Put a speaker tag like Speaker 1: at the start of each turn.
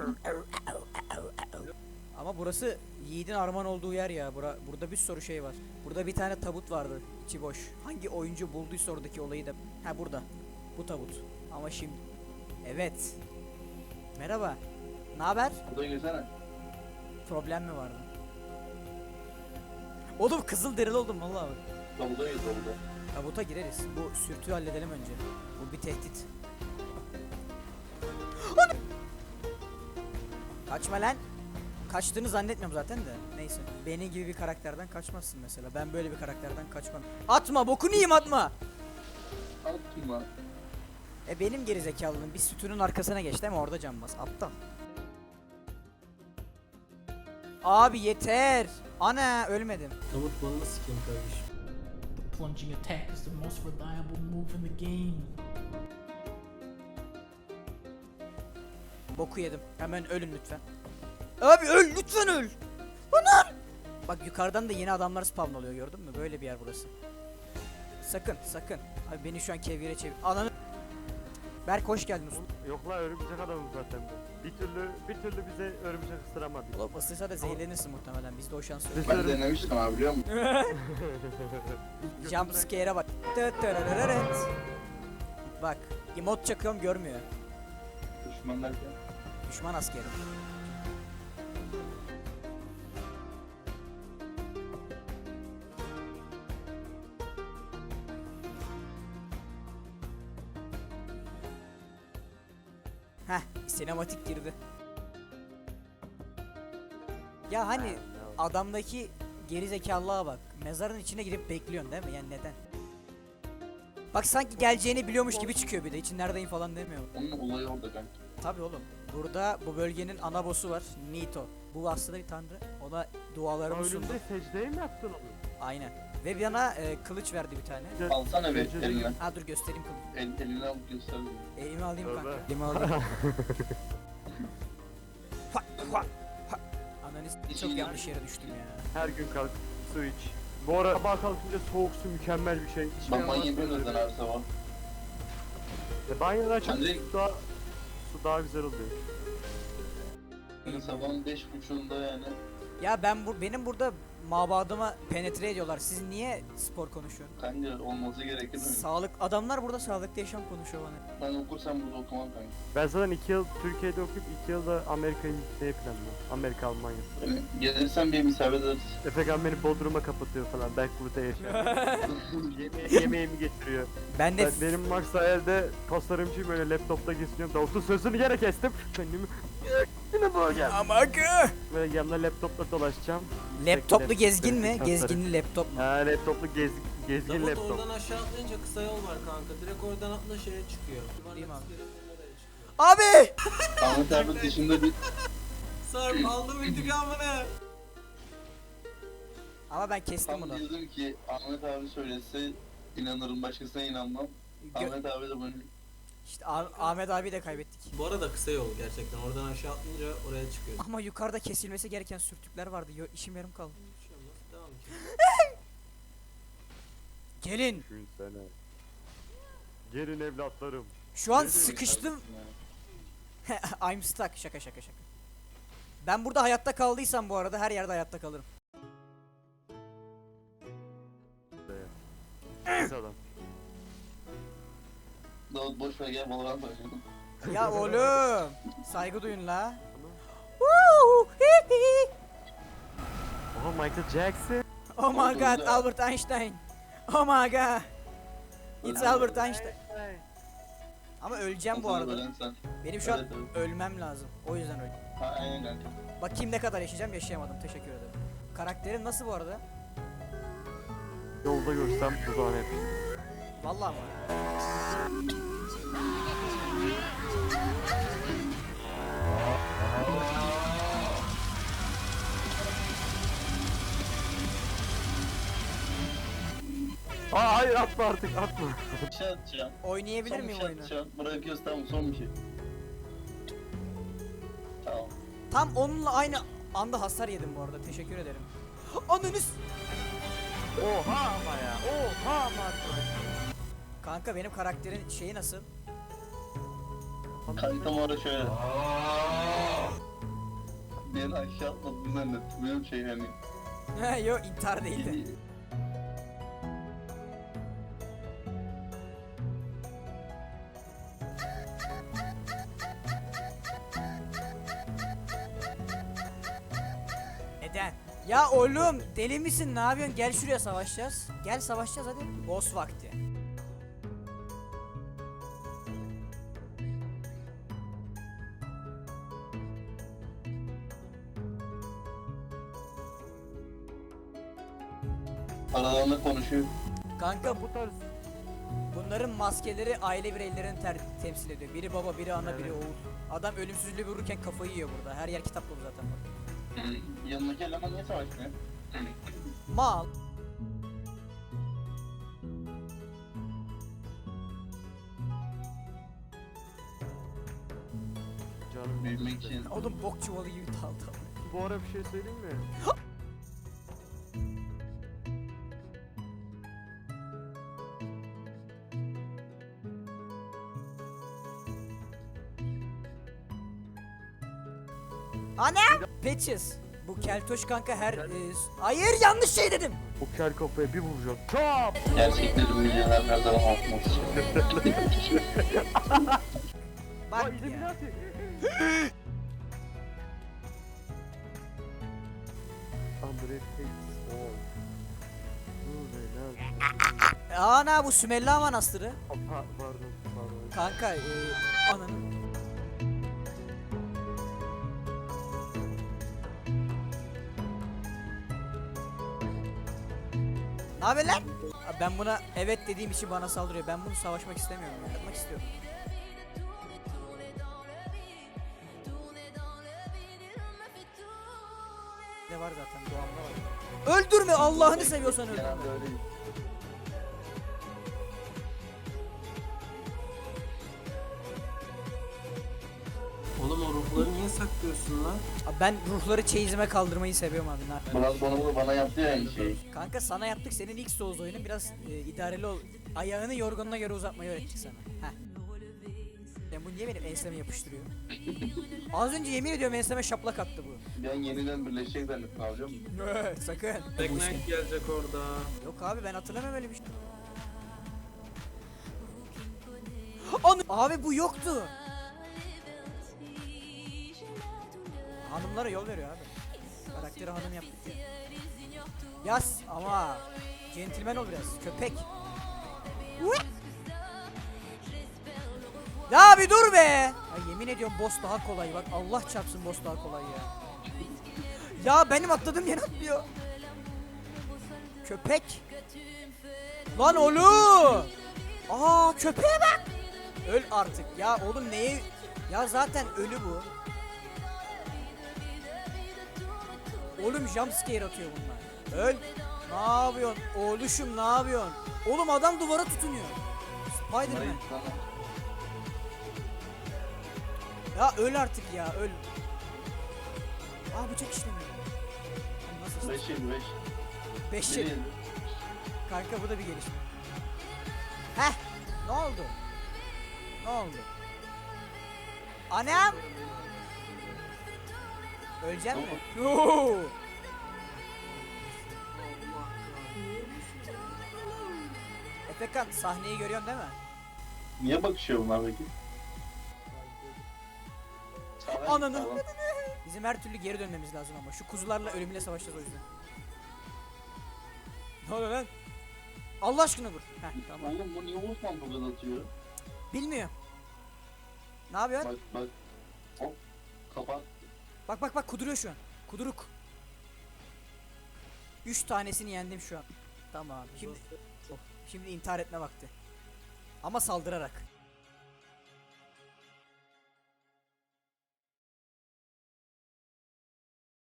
Speaker 1: Ama burası Yiğit'in armağan olduğu yer ya. Burada bir sürü şey var. Burada bir tane tabut vardı. İçi boş. Hangi oyuncu bulduysa oradaki olayı da. Ha burada. Bu tabut. Ama şimdi. Evet. Merhaba. Ne haber?
Speaker 2: Burada girsene.
Speaker 1: Problem mi vardı? Oğlum kızıl derili oldum vallahi bak.
Speaker 2: Tabuda gir tabuda.
Speaker 1: Tabuta gireriz. Bu sürtüyü halledelim önce. Bu bir tehdit. Kaçma lan. Kaçtığını zannetmiyorum zaten de. Neyse. Benim gibi bir karakterden kaçmazsın mesela. Ben böyle bir karakterden kaçmam. Atma bokunu yiyeyim atma.
Speaker 2: Atma.
Speaker 1: Benim gerizekalılığım bir sütunun arkasına geçti ama orada can bas. Aptal. Abi yeter. Ana ölmedim.
Speaker 3: Tabut balını sikeyim kardeşim.
Speaker 4: The plunging attack is the most reliable move in the game.
Speaker 1: Boku yedim. Hemen ölün lütfen. Abi öl lütfen öl. Anar. Bak yukarıdan da yeni adamlar spawn oluyor gördün mü? Böyle bir yer burası. Sakın sakın. Abi beni şu an kevgire çevir. Ananı. Berk hoş geldin usta.
Speaker 5: Yok la örümcek adamım zaten ben. Bir türlü bize örümcek ısıramadı.
Speaker 1: Ulan ısırsa da zehirlenirsin muhtemelen. Bizde o şans yok.
Speaker 2: Ben denemiştim abi biliyor musun?
Speaker 1: Jump scare'e bak. Tırırırırırt. Bak emot çakıyorum görmüyor.
Speaker 2: Düşman derken.
Speaker 1: Düşman askeri. Heh, sinematik girdi. Ya hani adamdaki gerizekalılığa bak. Mezarın içine girip bekliyorsun değil mi? Yani neden? Bak sanki geleceğini biliyormuş gibi çıkıyor bir de. İçin neredeyim falan demiyor.
Speaker 2: Onun olayı orada kanka.
Speaker 1: Tabii oğlum. Burada bu bölgenin ana boss'u var. Nito. Bu aslında bir tanrı. O da dualarımı sundu.
Speaker 5: Ölümde secdeye mi yaptın onu?
Speaker 1: Aynen. Ve bana kılıç verdi bir tane.
Speaker 2: Alsana bir
Speaker 5: Secde
Speaker 2: eline.
Speaker 1: Ha dur göstereyim kılıcı.
Speaker 2: Eline alıp göster.
Speaker 1: Elimi alayım
Speaker 5: Tövbe.
Speaker 1: kanka. Elimi alayım. Fak, fak, fak. Analiz çok yanlış yere düştüm ya.
Speaker 5: Her gün kalk su iç. Bu ara sabah kalkınca soğuk su mükemmel bir şey.
Speaker 2: Ben banyo yapıyorum zaten her sabah.
Speaker 5: Banyodan açıp
Speaker 2: Ben de-
Speaker 5: su daha güzel oluyor.
Speaker 2: Yani sabahın 5.30'unda yani.
Speaker 1: Ya benim burada mabadıma penetre ediyorlar. Siz niye spor konuşuyorsun?
Speaker 2: Kanka olması gerekir mi?
Speaker 1: Sağlık adamlar burada sağlıklı yaşam konuşuyor bana.
Speaker 2: Ben okursam burada okumam kanka.
Speaker 5: Ben zaten 2 yıl Türkiye'de okuyup 2 yılda Amerika'yı gitmeyi planlıyorum. Amerika, Almanya.
Speaker 2: Yani gelirsen bir misafir ederiz.
Speaker 5: Efekan beni Bodrum'a kapatıyor falan. Belki burada yaşar. Yemeğimi getiriyor.
Speaker 1: Ben de
Speaker 5: Benim Max hayalde tasarımcıyım, böyle laptopta geziniyorum. Davut'un sözünü yere kestim. Kendimi yine bu gel.
Speaker 1: Amagı.
Speaker 5: Böyle yanımda laptopla dolaşacağım.
Speaker 1: Laptoplu
Speaker 5: Laptop,
Speaker 1: gezgin mi?
Speaker 5: tasarım.
Speaker 1: Gezginli laptop mu?
Speaker 5: Ha, laptoplu gezgin
Speaker 3: Davut
Speaker 5: laptop.
Speaker 3: oradan aşağı atlayınca kısa yol var kanka. Direkt oradan atla şeye çıkıyor.
Speaker 1: Değil mi abi?
Speaker 3: Nereye çıkıyor?
Speaker 1: Abi!
Speaker 2: Ahmet abi dışında bir
Speaker 3: Sarp aldım intikamını.
Speaker 1: Ama ben kestim
Speaker 2: tam
Speaker 1: bunu.
Speaker 2: diyordum ki Ahmet abi söylese inanırım, başkasına inanmam. Ahmet abi de bunu
Speaker 1: İşte Ahmet abi de kaybettik.
Speaker 3: Bu arada kısa yol gerçekten. Oradan aşağı atlayınca oraya çıkıyor.
Speaker 1: Ama yukarıda kesilmesi gereken sürtükler vardı. İşim yarım kaldı.
Speaker 3: Bir şey olmaz. Devam ki.
Speaker 1: Gelin.
Speaker 5: Düşünsene. Gelin evlatlarım.
Speaker 1: Şu an
Speaker 5: Ne
Speaker 1: sıkıştım.
Speaker 2: yani.
Speaker 1: I'm stuck. Şaka şaka şaka. Ben burada hayatta kaldıysam bu arada her yerde hayatta kalırım.
Speaker 5: Pis adam.
Speaker 2: Davut boş ver gel Valorant oynayalım.
Speaker 1: Ya oğlum. Saygı duyun la. Woo! Hi hi.
Speaker 5: Oha, Michael Jackson.
Speaker 1: Oh my
Speaker 2: Oldu,
Speaker 1: god,
Speaker 2: oldu.
Speaker 1: Albert Einstein. Oh my god. It's
Speaker 2: Ölen
Speaker 1: Albert
Speaker 2: var.
Speaker 1: Einstein. Ama öleceğim bu
Speaker 2: Sana
Speaker 1: arada.
Speaker 2: ölen sen.
Speaker 1: Benim şu an
Speaker 2: Evet, evet.
Speaker 1: ölmem lazım. O yüzden öldüm.
Speaker 2: Ha aynen kanka.
Speaker 1: Bakayım ne kadar yaşayacağım. Yaşayamadım. Teşekkür ederim. Karakterin nasıl bu arada?
Speaker 5: Yolda görsem dudağına hep.
Speaker 1: Vallahi mı?
Speaker 5: Aa hayır, atma artık, atma.
Speaker 2: Bir şey atacağım.
Speaker 1: Oynayabilir
Speaker 2: Son bir
Speaker 1: miyim
Speaker 2: şey
Speaker 1: oyunu?
Speaker 2: atacağım. Bırakıyoruz tamam son bir şey. Tamam.
Speaker 1: Tam onunla aynı anda hasar yedim bu arada. Teşekkür ederim. Ananız.
Speaker 5: Oha ama ya. Oha ama arkadaş.
Speaker 1: Kanka benim karakterin şeyi nasıl?
Speaker 2: Kankam orada şöyle. beni aşağı atmadığını zannettim. Benim şey hani.
Speaker 1: He yo intihar değildi. Neden? Ya oğlum deli misin, ne yapıyorsun? Gel şuraya savaşacağız. Gel savaşacağız hadi. Boss vakti.
Speaker 2: Aralarında konuşuyor.
Speaker 1: Kanka
Speaker 5: Bu tarz
Speaker 1: bunların maskeleri aile bireylerini temsil ediyor. Biri baba, biri ana, biri oğul. Adam ölümsüzlüğü vururken kafayı yiyor burada. Her yer kitap dolu zaten bak.
Speaker 2: Yanındaki eleman niye savaşmıyor?
Speaker 1: Mal.
Speaker 5: canım
Speaker 2: Büyümek için.
Speaker 1: Oğlum bok çuvalı gibi daldı.
Speaker 5: Bu ara bir şey söyleyeyim mi?
Speaker 1: Ana! Patches. Bu keltoş kanka hayır yanlış şey dedim.
Speaker 5: O kel kafaya bir vuracağım. Çap!
Speaker 2: Gerçeklerin milyoner her zaman altına
Speaker 1: Bak
Speaker 5: Ay
Speaker 1: ya.
Speaker 5: Illuminati! Andre hates all. Illuminati.
Speaker 1: Ana bu Sümella Manastırı.
Speaker 5: Pardon.
Speaker 1: Kanka ananın. Ne haber lan? Ben buna evet dediğim için bana saldırıyor. Ben bunu savaşmak istemiyorum. Yapmak istiyorum. Ne var zaten doğamda var. Öldürme Allah'ını seviyorsan öldürme.
Speaker 2: Genelde öyle.
Speaker 3: Oğlum o ruhları niye saklıyorsun lan?
Speaker 1: Abi ben ruhları çeyizime kaldırmayı seviyorum abi.
Speaker 2: Biraz bana yaptı ya aynı şeyi.
Speaker 1: Kanka sana yaptık, senin ilk Souls oyunun, biraz idareli ol. Ayağını yorganına göre uzatmayı öğrettik sana. Heh. Ya bu niye benim enseme yapıştırıyor? Az önce yemin ediyorum enseme şaplak attı bu.
Speaker 2: Ben yeniden birleşecek zannettim abi biliyor musun?
Speaker 1: Sakın.
Speaker 3: Black Knight gelecek orada.
Speaker 1: Yok abi ben hatırlamam öyle bir şey. Anı abi bu yoktu. Hanımlara yol veriyor abi. Karakteri hanım yaptık ya. Yaz ama centilmen ol biraz köpek. Uy! Ya bir dur be. Ya yemin ediyorum boss daha kolay bak, Allah çarpsın boss daha kolay ya. Ya benim atladığım yer atlıyor. Köpek. Lan oğlum. Aa köpeğe bak. Öl artık ya oğlum neye? Ya zaten ölü bu. Oğlum jumpscare atıyor bunlar. Öl. Ne yapıyorsun? Oğluşum ne yapıyorsun? Oğlum adam duvara tutunuyor. Spiderman. Ya öl artık ya öl. Aa bıçak işlemiyor. Nasıl?
Speaker 2: 5.25.
Speaker 1: 5 yıl. Kanka bu da bir gelişme. Heh. Ne oldu? Ne oldu? Anam. Öleceğim mi? Oo. Efekan sahneyi görüyorsun değil mi?
Speaker 2: Niye bakışıyor bunlar peki?
Speaker 1: Ananı. Bizim her türlü geri dönmemiz lazım ama şu kuzularla ölümüyle savaşacağız o yüzden. Ne oluyor lan? Allah aşkına dur. Heh, tamam.
Speaker 2: Oğlum bu niye Osman bu kadar atıyor?
Speaker 1: Bilmiyor. Ne yapıyorsun?
Speaker 2: Bak. Hop. Kapat.
Speaker 1: Bak kuduruyor şu an. Kuduruk. 3 tanesini yendim şu an. Tamam. Şimdi intihar etme vakti. Ama saldırarak.